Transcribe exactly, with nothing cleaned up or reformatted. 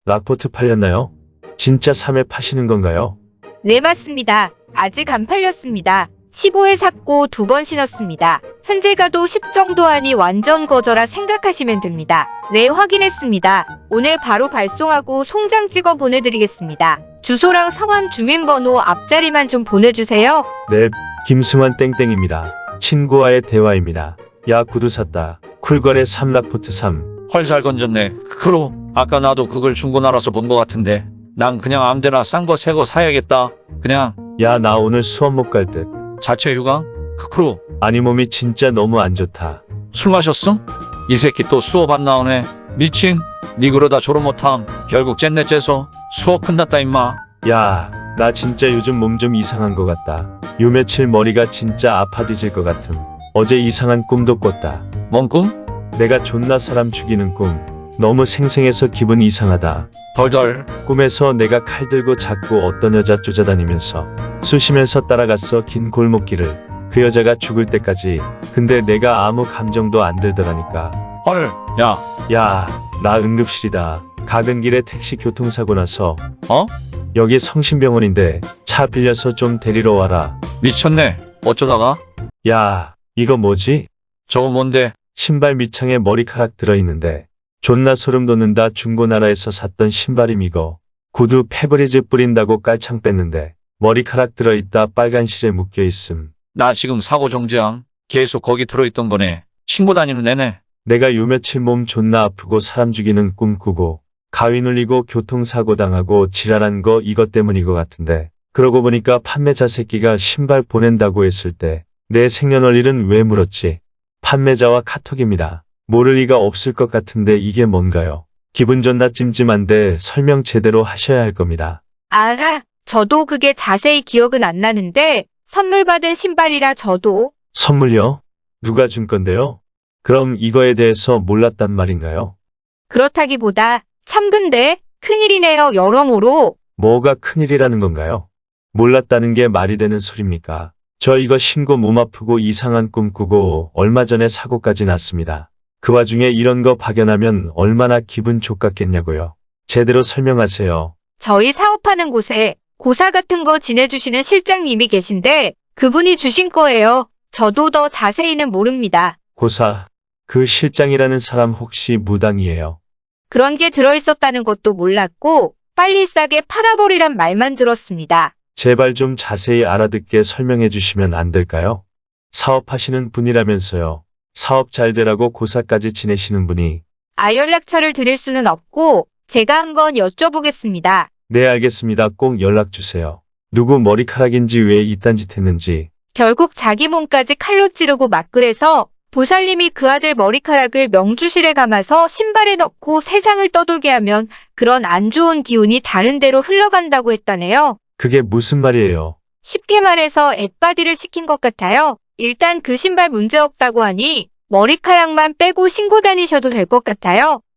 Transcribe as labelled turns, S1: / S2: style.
S1: 락포트 팔렸나요? 진짜 삼 회 파시는 건가요?
S2: 네, 맞습니다. 아직 안 팔렸습니다. 십오 회 샀고 두 번 신었습니다. 현재 가도 십 정도 하니 완전 거저라 생각하시면 됩니다. 네, 확인했습니다. 오늘 바로 발송하고 송장 찍어 보내드리겠습니다. 주소랑 성함 주민번호 앞자리만 좀 보내주세요.
S1: 네, 김승환 땡땡입니다. 친구와의 대화입니다. 야, 구두 샀다. 쿨거래 삼 락포트 삼.
S3: 헐, 잘 건졌네. 크크로. 아까 나도 그걸 중고나라서 본 것 같은데. 난 그냥 아무데나 싼 거 새 거 사야겠다. 그냥
S1: 야, 나 오늘 수업 못 갈 듯.
S3: 자체 휴강? 크크로.
S1: 아니, 몸이 진짜 너무 안 좋다.
S3: 술 마셨어? 이 새끼 또 수업 안 나오네. 미친. 니 그러다 졸업 못함. 결국 쨌네 째서 수업 끝났다 임마.
S1: 야, 나 진짜 요즘 몸 좀 이상한 것 같다. 요 며칠 머리가 진짜 아파 뒤질 것 같음. 어제 이상한 꿈도 꿨다.
S3: 뭔 꿈?
S1: 내가 존나 사람 죽이는 꿈. 너무 생생해서 기분 이상하다.
S3: 덜덜.
S1: 꿈에서 내가 칼 들고 자꾸 어떤 여자 쫓아다니면서 쑤시면서 따라갔어, 긴 골목길을. 그 여자가 죽을 때까지. 근데 내가 아무 감정도 안 들더라니까.
S3: 헐. 야.
S1: 야, 나 응급실이다. 가는 길에 택시 교통사고 나서.
S3: 어?
S1: 여기 성심병원인데 차 빌려서 좀 데리러 와라.
S3: 미쳤네. 어쩌다가?
S1: 야, 이거 뭐지?
S3: 저거 뭔데?
S1: 신발 밑창에 머리카락 들어있는데 존나 소름 돋는다. 중고나라에서 샀던 신발임 이거. 구두 페브리즈 뿌린다고 깔창 뺐는데 머리카락 들어있다. 빨간 실에 묶여있음.
S3: 나 지금 사고 정지함. 계속 거기 들어있던 거네. 신고 다니는 애네.
S1: 내가 요 며칠 몸 존나 아프고 사람 죽이는 꿈 꾸고 가위 눌리고 교통사고 당하고 지랄한 거 이것 때문인 것 같은데, 그러고 보니까 판매자 새끼가 신발 보낸다고 했을 때 내 생년월일은 왜 물었지? 판매자와 카톡입니다. 모를 리가 없을 것 같은데 이게 뭔가요? 기분 존나 찜찜한데 설명 제대로 하셔야 할 겁니다.
S2: 아, 저도 그게 자세히 기억은 안 나는데 선물 받은 신발이라 저도.
S1: 선물요? 누가 준 건데요? 그럼 이거에 대해서 몰랐단 말인가요?
S2: 그렇다기보다 참 근데 큰일이네요, 여러모로.
S1: 뭐가 큰일이라는 건가요? 몰랐다는 게 말이 되는 소리입니까? 저 이거 신고 몸 아프고 이상한 꿈 꾸고 얼마 전에 사고까지 났습니다. 그 와중에 이런 거 발견하면 얼마나 기분 좋겠냐고요. 제대로 설명하세요.
S2: 저희 사업하는 곳에 고사 같은 거 지내주시는 실장님이 계신데 그분이 주신 거예요. 저도 더 자세히는 모릅니다.
S1: 고사, 그 실장이라는 사람 혹시 무당이에요?
S2: 그런 게 들어있었다는 것도 몰랐고 빨리 싸게 팔아버리란 말만 들었습니다.
S1: 제발 좀 자세히 알아듣게 설명해 주시면 안 될까요? 사업하시는 분이라면서요. 사업 잘 되라고 고사까지 지내시는 분이.
S2: 아, 연락처를 드릴 수는 없고 제가 한번 여쭤보겠습니다.
S1: 네, 알겠습니다. 꼭 연락 주세요. 누구 머리카락인지 왜 이딴 짓 했는지.
S2: 결국 자기 몸까지 칼로 찌르고 막그래서 보살님이 그 아들 머리카락을 명주실에 감아서 신발에 넣고 세상을 떠돌게 하면 그런 안 좋은 기운이 다른 데로 흘러간다고 했다네요.
S1: 그게 무슨 말이에요?
S2: 쉽게 말해서 앳바디를 시킨 것 같아요. 일단 그 신발 문제없다고 하니 머리카락만 빼고 신고 다니셔도 될 것 같아요.